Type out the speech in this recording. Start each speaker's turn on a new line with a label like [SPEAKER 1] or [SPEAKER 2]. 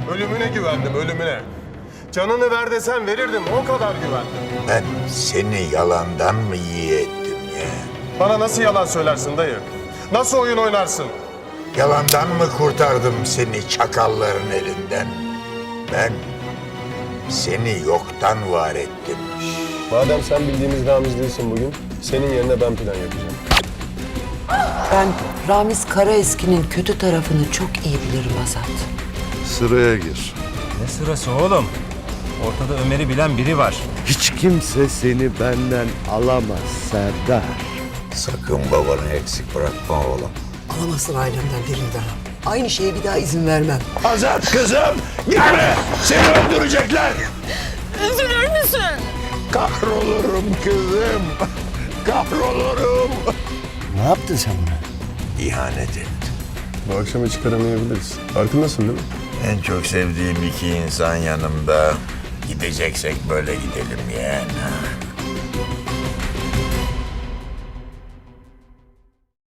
[SPEAKER 1] Ölümüne güvendim, ölümüne. Canını ver desen verirdim, o kadar güvendim.
[SPEAKER 2] Ben seni yalandan mı iyi ettim ya?
[SPEAKER 1] Bana nasıl yalan söylersin dayı? Nasıl oyun oynarsın?
[SPEAKER 2] Yalandan mı kurtardım seni çakalların elinden? Ben seni yoktan var ettim.
[SPEAKER 1] Madem sen bildiğimiz Ramiz değilsin bugün, senin yerine ben plan yapacağım.
[SPEAKER 3] Ben Ramiz Karaeski'nin kötü tarafını çok iyi bilirim Azat.
[SPEAKER 4] Sıraya gir.
[SPEAKER 5] Ne sırası oğlum? Ortada Ömer'i bilen biri var.
[SPEAKER 4] Hiç kimse seni benden alamaz Serdar.
[SPEAKER 2] Sakın babanı eksik bırakma oğlum.
[SPEAKER 3] Alamazsın ailemden birini daha. Aynı şeye bir daha izin vermem.
[SPEAKER 2] Azat kızım, gitme! Seni öldürecekler!
[SPEAKER 6] Üzülür müsün?
[SPEAKER 2] Kahrolurum kızım, kahrolurum!
[SPEAKER 4] Ne yaptın sen buna?
[SPEAKER 2] İhanet ettim.
[SPEAKER 1] Bu akşama çıkaramayabiliriz. Farkındasın değil mi?
[SPEAKER 2] En çok sevdiğim iki insan yanımda. Gideceksek böyle gidelim yeğen.